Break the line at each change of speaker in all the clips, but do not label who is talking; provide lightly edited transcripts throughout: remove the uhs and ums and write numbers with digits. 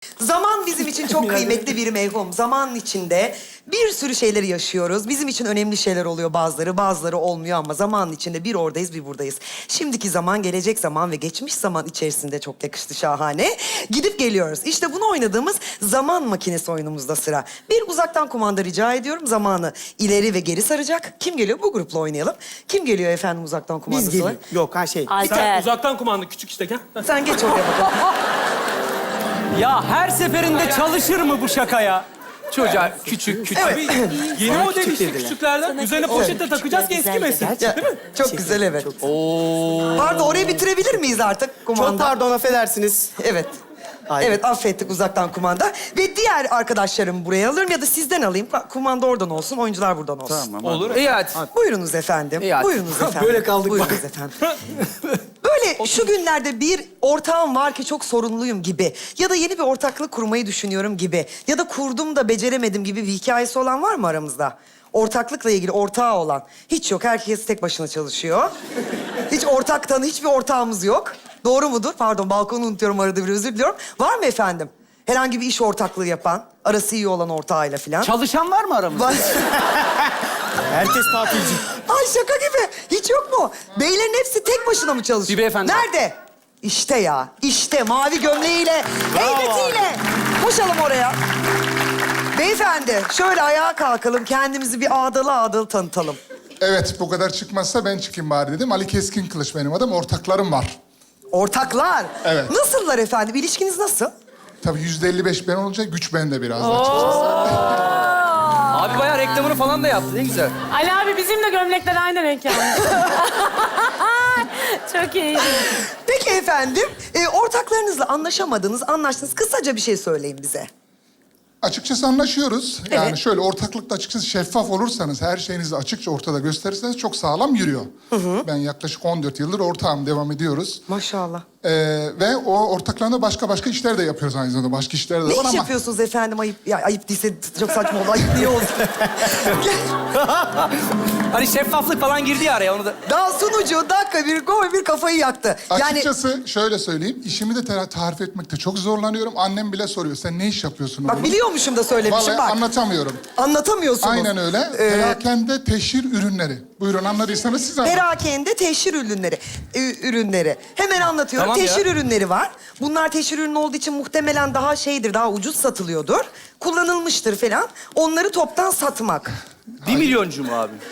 Zaman bizim için çok kıymetli bir mevhum. Zamanın içinde bir sürü şeyleri yaşıyoruz. Bizim için önemli şeyler oluyor bazıları, bazıları olmuyor ama zamanın içinde bir oradayız, bir buradayız. Şimdiki zaman, gelecek zaman ve geçmiş zaman içerisinde çok yakıştı, şahane. Gidip geliyoruz. İşte bunu oynadığımız zaman makinesi oyunumuzda sıra. Bir uzaktan kumanda rica ediyorum. Zamanı ileri ve geri saracak. Kim geliyor? Bu grupla oynayalım. Kim geliyor efendim uzaktan kumandası?
Biz geliyor. Yok ha şey.
Alper.
Uzaktan kumanda küçük işte gel.
Sen geç oraya bakalım.
Ya her seferinde çalışır mı bu şaka ya? Çocuğa küçük küçük.
Abi yeni model
küçük
işte
dediler.
küçüklerden. Üzerine poşette takacağız ki eski mesin.
Ya, çok güzel, evet. Pardon, orayı bitirebilir miyiz artık kumanda?
Çok pardon, affedersiniz.
Evet.
Hayır.
Evet, affettik uzaktan kumanda. Ve diğer arkadaşlarımı buraya alırım ya da sizden alayım. Kumanda oradan olsun, oyuncular buradan olsun.
Tamam.
Olur.
İyi hadi.
Buyurunuz efendim.
İyi hadi.
Buyurunuz efendim.
Böyle kaldık
Buyurunuz
bak.
efendim. Böyle şu günlerde bir ortağım var ki çok sorunluyum gibi. Ya da yeni bir ortaklık kurmayı düşünüyorum gibi. Ya da kurdum da beceremedim gibi bir hikayesi olan var mı aramızda? Ortaklıkla ilgili ortağı olan. Hiç yok. Herkes tek başına çalışıyor. Hiç ortaktan hiçbir ortağımız yok. Doğru mudur? Pardon, balkonu unutuyorum arada bir, özür diliyorum. Var mı efendim? Herhangi bir iş ortaklığı yapan, arası iyi olan ortağıyla falan.
Çalışan var mı aramızda?
Var.
Herkes tatilci.
Ay şaka gibi. Hiç yok mu? Beylerin hepsi tek başına mı çalışıyor?
Bir beyefendi.
Nerede? İşte ya. İşte mavi gömleğiyle, heybetiyle. Koşalım oraya. Beyefendi, şöyle ayağa kalkalım. Kendimizi bir ağdalı ağdalı tanıtalım.
Evet, bu kadar çıkmazsa ben çıkayım bari dedim. Ali Keskin Kılıç benim adım. Ortaklarım var.
Ortaklar.
Evet.
Nasıllar efendim? İlişkiniz nasıl?
Tabii %55 ben olunca güç bende biraz da açıkçası.
Abi bayağı reklamını falan da yaptı. Ne güzel.
Ali abi bizim de gömlekler aynı renk yani. Çok iyi.
Peki efendim, ortaklarınızla anlaşamadınız, anlaştınız. Kısaca bir şey söyleyin bize.
Açıkçası anlaşıyoruz. Yani
Evet.
şöyle ortaklıkta açıkçası şeffaf olursanız, her şeyinizi açıkça ortada gösterirseniz çok sağlam yürüyor. Ben yaklaşık 14 yıldır ortağım, devam ediyoruz.
Maşallah.
Ve o ortaklarla başka işler de yapıyoruz aynı zamanda. Başka işler de
Ne
var
iş
ama...
yapıyorsunuz efendim? Ayıp, ya ayıp değilse çok saçma oldu. Ayıp niye olsun?
Hani şeffaflık falan girdi ya araya onu da.
Daha sunucu dakika bir gol bir kafayı yaktı. Yani
Açıkçası şöyle söyleyeyim, işimi de tarif etmekte çok zorlanıyorum. Annem bile soruyor, sen ne iş yapıyorsun
bak
oğlum?
biliyormuşum da söylemişim
Vallahi
bak.
anlatamıyorum.
Anlatamıyorsunuz.
Aynen öyle. Perakende teşhir ürünleri. Buyurun, anladıysanız siz anlatın.
Perakende teşhir ürünleri. Hemen anlatıyorum.
Tamam ya.
Teşhir ürünleri var. Bunlar teşhir ürünü olduğu için muhtemelen daha şeydir, daha ucuz satılıyordur. Kullanılmıştır falan. Onları toptan satmak.
1 milyoncu mu abi?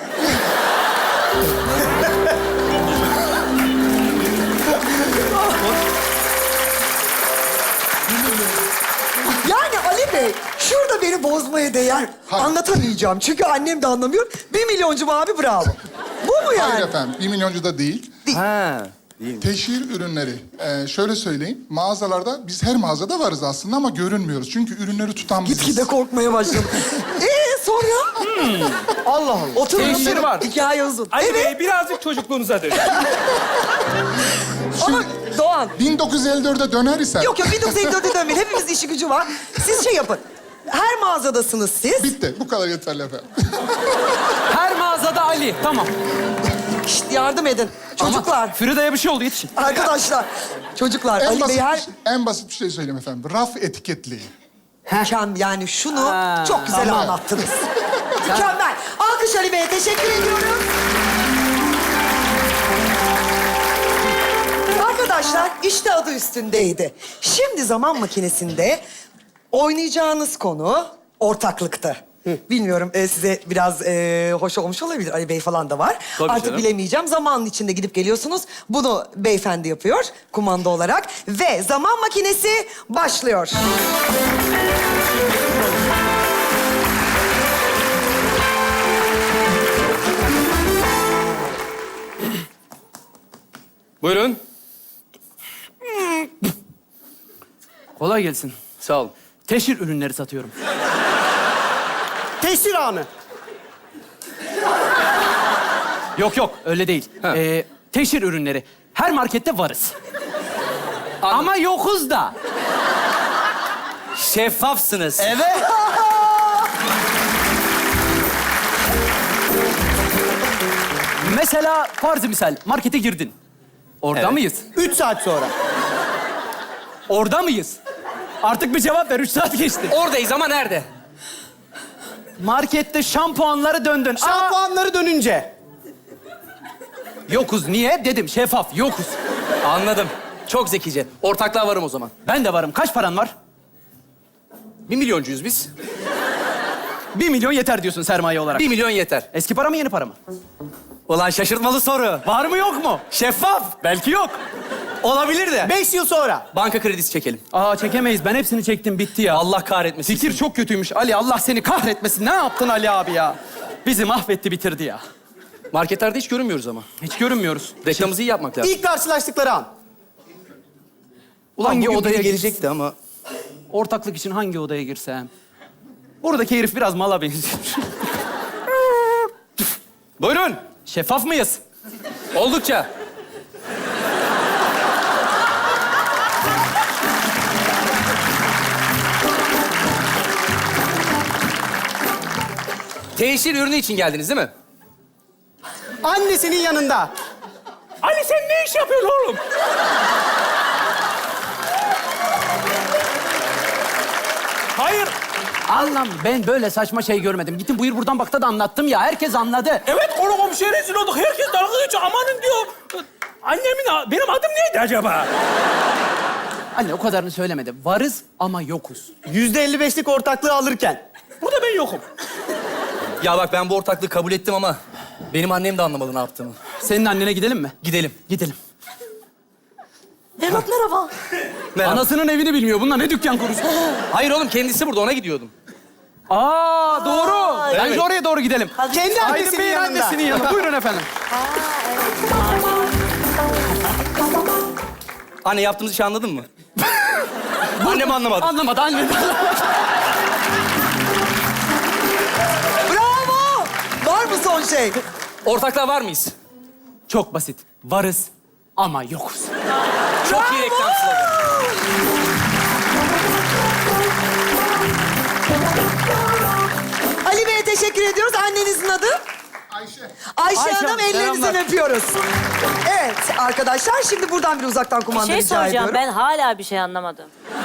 Yani Ali Bey, şurada beni bozmaya değer.
Hayır.
Anlatamayacağım çünkü annem de anlamıyor. 1 milyoncu mu abi, bravo. Bu mu yani?
Hayır efendim, 1 milyoncu da değil.
Ha.
Teşhir ürünleri. Şöyle söyleyeyim, mağazalarda, biz her mağazada varız aslında ama görünmüyoruz. Çünkü ürünleri tutan biziz.
Gitgide korkmaya başladım. Sonra?
Allah Allah.
Oturun.
Teşhir var.
Hikaye uzun.
Ali
Evet
Bey birazcık çocukluğunuza dönün.
ama Doğan.
1954'e döner ise...
Yok 1954'e dönmeyin. Hepimizin işi gücü var. Siz şey yapın. Her mağazadasınız siz.
Bitti, bu kadar yeterli efendim.
Her mağazada Ali. Tamam.
Şişt, yardım edin. Çocuklar,
Ama Frida'ya bir şey oldu yetişin.
arkadaşlar. Çocuklar, Ali Bey her...
En basit bir şey söyleyeyim efendim. Raf etiketliği.
Yani şunu
Ha,
çok güzel
tamam.
anlattınız. Mükemmel. Alkış Ali Bey'e teşekkür ediyorum. Arkadaşlar işte adı üstündeydi. Şimdi zaman makinesinde oynayacağınız konu ortaklıktı. Bilmiyorum size biraz hoş olmuş olabilir. Ali Bey falan da var.
Tabii
Artık
canım.
bilemeyeceğim. Zamanın içinde gidip geliyorsunuz. Bunu beyefendi yapıyor kumanda olarak. Ve zaman makinesi başlıyor.
Buyurun. Kolay gelsin. Sağ olun. Teşhir ürünleri satıyorum.
Teşhir anı.
Yok öyle değil. Teşhir ürünleri. Her markette varız. Ama yokuz da. Şeffafsınız.
Evet.
Mesela farzı misal markete girdin. Orada mıyız?
3 saat sonra.
Orada mıyız? Artık bir cevap ver. 3 saat geçti.
Oradayız ama nerede?
Markette şampuanları döndün.
Şampuanları dönünce.
Yokuz. Niye? Dedim şeffaf. Yokuz.
Anladım. Çok zekice. Ortaklığa varım o zaman.
Ben de varım. Kaç paran var?
1 milyoncuyuz biz.
1 milyon yeter diyorsun sermaye olarak.
1 milyon yeter.
Eski para mı yeni para mı?
Ulan şaşırtmalı soru.
Var mı yok mu?
Şeffaf.
Belki yok.
Olabilir de.
5 yıl sonra.
Banka kredisi çekelim.
Aa çekemeyiz. Ben hepsini çektim. Bitti ya.
Allah kahretmesin.
Fikir çok kötüymüş. Ali Allah seni kahretmesin. Ne yaptın Ali abi ya? Bizi mahvetti bitirdi ya.
Marketlerde hiç görünmüyoruz ama.
Hiç görünmüyoruz.
Reklamımızı iyi yapmak lazım.
İlk karşılaştıkları an.
Ulan
hangi
bugün
odaya
biri gelecekti ama.
Ortaklık için hangi odaya girsem? Buradaki herif biraz mala benziyor.
Buyurun.
Şeffaf mıyız?
Oldukça. Teşhir ürünü için geldiniz değil mi?
Annesinin yanında.
Ali sen ne iş yapıyorsun oğlum? Hayır.
Allah'ım ben böyle saçma şey görmedim. Gittim buyur buradan bakta da anlattım ya. Herkes anladı.
Evet konu komşuya rezil olduk. Herkes dalga geçiyor. Amanın diyor. Benim adım neydi acaba?
Anne o kadarını söylemedi. Varız ama yokuz.
%55'lik ortaklığı alırken.
Burada ben yokum.
Ya bak ben bu ortaklığı kabul ettim ama benim annem de anlamadı ne yaptığımı.
Senin annene gidelim mi?
Gidelim.
Gidelim.
Evlat merhaba.
Merhaba.
Anasının evini bilmiyor. Bunlar ne dükkan kurusu?
Hayır oğlum kendisi burada ona gidiyordum.
Aa doğru. Bence
evet.
oraya doğru gidelim.
Kendi
Aydın
annesinin
Bey'in
yanında.
annesinin yanında. Buyurun efendim.
Anne yaptığımız işi anladın mı? Annem anlamadı.
Anlamadı anne.
Bravo! Var mı son şey?
Ortaklığa var mıyız?
Çok basit. Varız ama yokuz.
Çok iyi reklam sloganı.
Ali Bey'e teşekkür ediyoruz. Annenizin adı?
Ayşe.
Ayşe
Ayşe
Hanım,
Hanım,
ellerinizden
selamlar.
öpüyoruz. Evet arkadaşlar, şimdi buradan bir uzaktan
Bir
kumanda
şey
rica
soracağım.
ediyorum.
Ben hala bir şey anlamadım.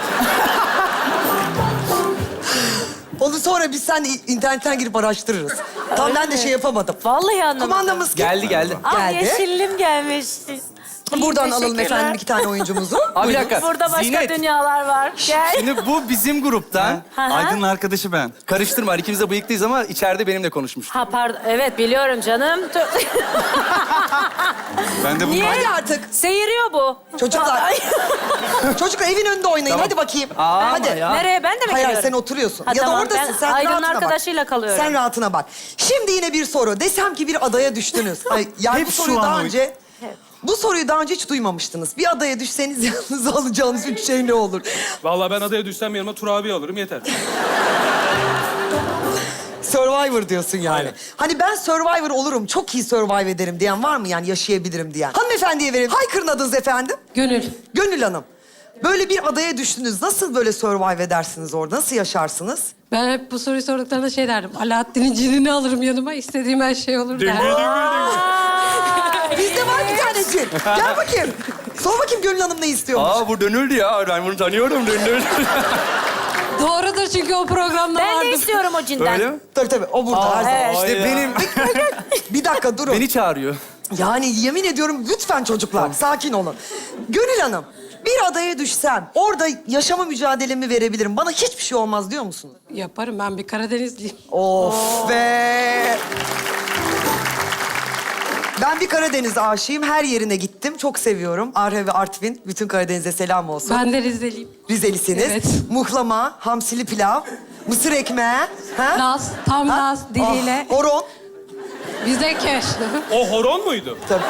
Onu sonra biz sen internetten girip araştırırız. Tam ben de şey yapamadım.
Vallahi anlamadım.
Kumandamız kim?
Geldi.
Ah
geldi.
yeşillim gelmiş.
Buradan alalım
Teşekkürler.
efendim 2 tane oyuncumuzu.
Abi bir dakika.
Burada başka
Zinet.
dünyalar var. Gel.
Şimdi bu bizim gruptan.
Hı hı.
Aydın'ın arkadaşı ben. Karıştırma. İkimiz de bıyıklıyız ama içeride benimle konuşmuş.
Ha pardon. Evet biliyorum canım.
Ben de
Niye?
Hadi artık.
Seyiriyor bu.
Çocuklar.
Ay.
Çocuklar evin önünde oynayın. Hadi bakayım. Hadi.
Nereye? Ben de mi
Hayır,
geliyorum?
sen oturuyorsun.
Ha,
ya
tamam,
da oradasın.
ben
Sen
Aydın'ın
rahatına bak.
arkadaşıyla kalıyorum.
Sen rahatına bak. Şimdi yine bir soru. Desem ki bir adaya düştünüz. Ay, yani
Hep
bu
şu
soruyu
an
daha
o-
önce... Bu soruyu daha önce hiç duymamıştınız. Bir adaya düşseniz yalnız alacağınız 3 şey ne olur?
Vallahi ben adaya düşsem yanıma Tur abi alırım yeter.
Survivor diyorsun yani.
Aynen.
Hani ben Survivor olurum, çok iyi survive ederim diyen var mı yani yaşayabilirim diyen? Hanımefendiye verelim. Haykırın adınız efendim.
Gönül.
Gönül Hanım. Böyle bir adaya düştünüz. Nasıl böyle survive edersiniz orada? Nasıl yaşarsınız?
Ben hep bu soruyu sorduklarında şey derdim. Alaaddin'in cinini alırım yanıma. İstediğim her şey olur derdim.
Bizde var bir tane cin. Gel bakayım. Sor bakayım Gönül Hanım ne istiyormuş?
bu dönüldü ya. Ben bunu tanıyorum. Dönüldü.
Doğrudur çünkü o programda
Ben
vardı.
de istiyorum o cinden.
Öyle mi?
Tabii o burada her zaman.
evet.
İşte benim...
Bir dakika durun.
Beni çağırıyor.
Yani yemin ediyorum lütfen çocuklar sakin olun. Gönül Hanım bir adaya düşsem orada yaşama mücadelemi verebilirim. Bana hiçbir şey olmaz diyor musunuz?
Yaparım ben bir Karadenizliyim.
Of be. Ben bir Karadeniz aşığıyım. Her yerine gittim. Çok seviyorum. Arhe ve Artvin. Bütün Karadeniz'e selam olsun.
Ben de Rizeliyim.
Rizelisiniz.
Evet.
Muhlama, hamsili pilav, mısır ekmeği. Ha?
Laz, tam
Ha?
Laz diliyle.
Ah, horon.
Bize keş.
O horon muydu?
Tabii.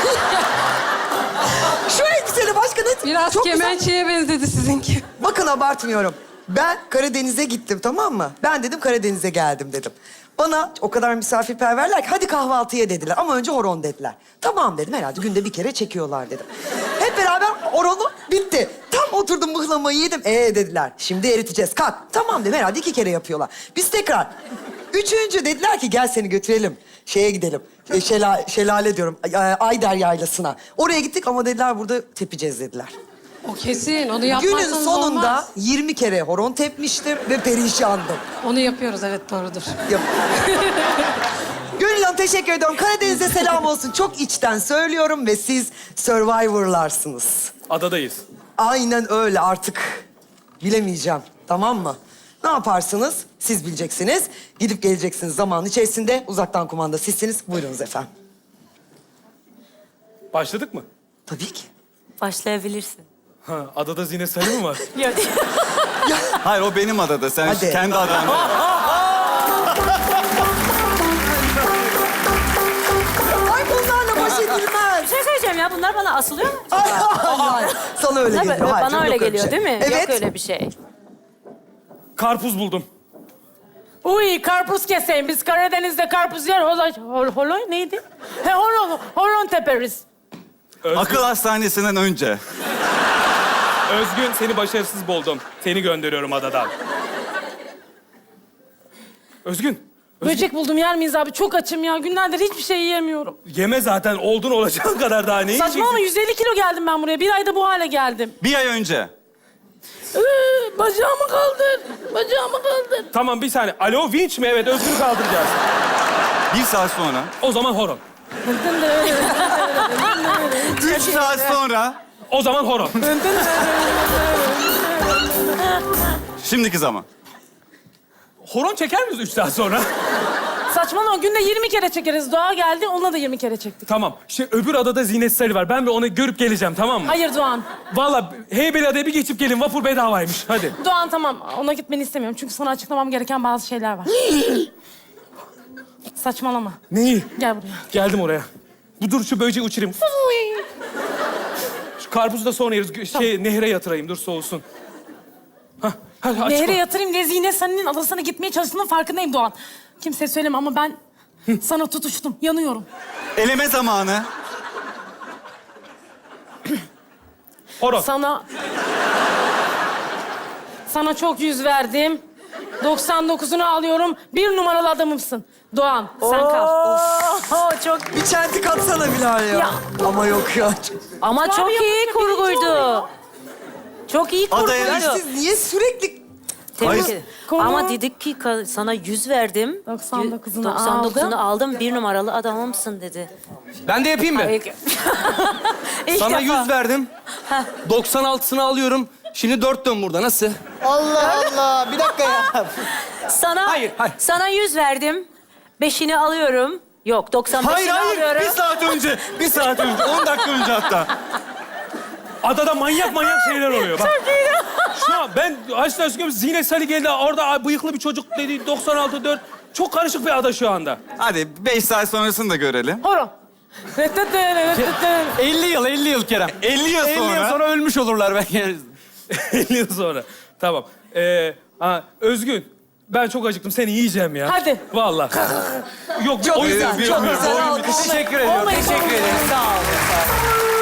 Şu elbiseli başka ne?
Biraz
Çok güzel.
kemençeye benzedi sizinki.
Bakın abartmıyorum. Ben Karadeniz'e gittim tamam mı? Ben dedim Karadeniz'e geldim dedim. Bana o kadar misafirperverler ki hadi kahvaltıya dediler. Ama önce horon dediler. Tamam dedim herhalde günde bir kere çekiyorlar dedim. Hep beraber horonu bitti. Tam oturdum mıhlamayı yedim. Dediler şimdi eriteceğiz kalk. Tamam dedim herhalde 2 kere yapıyorlar. Biz tekrar. 3. dediler ki gel seni götürelim. Şeye gidelim. Şelale diyorum. Ayder Yaylası'na. Oraya gittik ama dediler burada tepeceğiz dediler.
O kesin. Onu yapmazsanız
Günün sonunda
olmaz.
20 kere horon tepmiştir ve perişandım.
Onu yapıyoruz, evet doğrudur.
Yap. Gönül Hanım teşekkür ediyorum. Karadeniz'e selam olsun. Çok içten söylüyorum ve siz Survivor'larsınız.
Adadayız.
Aynen öyle artık. Bilemeyeceğim. Tamam mı? Ne yaparsınız? Siz bileceksiniz. Gidip geleceksiniz zaman içerisinde. Uzaktan kumanda sizsiniz. Buyurunuz efendim.
Başladık mı?
Tabii ki.
Başlayabilirsin.
Ha, adada Zine Sarı mı var?
Yok.
Hayır o benim adada. Sen
Hadi.
kendi adanda.
Ay bunlarla baş edilmez.
Bir şey söyleyeceğim ya. Bunlar bana asılıyor mu?
Ay, ay. Sana öyle
Tabii,
geliyor. Hayır,
bana
yok
öyle
bir
geliyor
şey.
değil mi?
Evet.
Yok öyle bir şey.
Karpuz buldum.
Uy karpuz keseyim. Biz Karadeniz'de karpuz yer. Holoy neydi? Horon teperiz.
Akıl hastanesinden önce.
Özgün, seni başarısız buldum. Seni gönderiyorum adadan. Özgün.
Böcek buldum yer miyiz abi? Çok açım ya. Günlerdir hiçbir şey yiyemiyorum.
Yeme zaten oldun olacağın kadar daha ne
Saçmalama
yiyeceksin?
150 kilo geldim ben buraya. Bir ayda bu hale geldim.
Bir ay önce.
Bacağımı kaldır. Bacağımı kaldır.
Tamam bir saniye. Alo vinç mi? Evet Özgün'ü kaldıracağız.
Bir saat sonra.
O zaman horon.
3 saat sonra.
O zaman horon.
Şimdiki zaman.
Horon çeker miyiz 3 saat sonra?
Saçmalama günde 20 kere çekeriz. Doğa geldi onunla da 20 kere çektik.
Tamam. Öbür adada Zinet Sarı var. Ben bir onu görüp geleceğim tamam mı?
Hayır Doğan.
Vallahi Heybeliada'ya bir geçip gelin. Vapur bedavaymış. Hadi.
Doğan tamam. Ona gitmeni istemiyorum. Çünkü sana açıklamam gereken bazı şeyler var. Saçmalama.
Neyi?
Gel buraya.
Geldim oraya. Dur şu böceği uçurayım. Şu karpuzu da sonra yeriz. Nehre yatırayım. Dur soğusun. Hah. Hadi açma.
Nehre yatırayım diye Zine senin adasına gitmeye çalıştığının farkındayım Doğan. Kimseye söyleme ama ben sana tutuştum. Yanıyorum.
Eleme zamanı.
Horon.
Sana çok yüz verdim. 99'unu alıyorum. 1 numaralı adamımsın. Doğan sen kal.
Çok...
Bir çentik atsana Bilal ya.
Ya.
Ama yok ya.
Ama çok iyi
yapınca
kurguydu.
birinci oluyor.
Çok iyi
Adaya-
Ya
kurguydu.
siz niye sürekli...
Tebrik
Hayır.
ederim.
Konu-
Ama dedik ki sana 100 verdim.
99'unu
99'unu aldım. 1 numaralı adamımsın dedi.
Ben de yapayım mı?
İlk
Sana
defa.
100 verdim. 96'sını alıyorum. Şimdi 4 dön burada. Nasıl?
Allah Allah. Bir dakika ya.
Sana,
Hayır.
sana 100 verdim. 5'ini alıyorum. Yok 95'ini
Hayır hayır.
alıyorum.
Bir saat önce. Bir saat önce. 10 dakika önce hatta.
Adada manyak şeyler oluyor. Bak. Şu an ben açtan çıkıyorum. Zinet Sarı geldi. Orada bıyıklı bir çocuk dedi. 96-4. Çok karışık bir ada şu anda.
Hadi 5 saat sonrasını da görelim.
Horon.
50 yıl Kerem.
50 yıl
50
sonra.
yıl sonra ölmüş olurlar belki.
50 yıl sonra. Tamam. Özgün. Ben çok acıktım. Seni yiyeceğim ya.
Hadi.
Vallahi. Yok,
Çok
o yüzden.
güzel, çok güzel.
Teşekkür ediyorum. Teşekkür ederim. Sağ olun.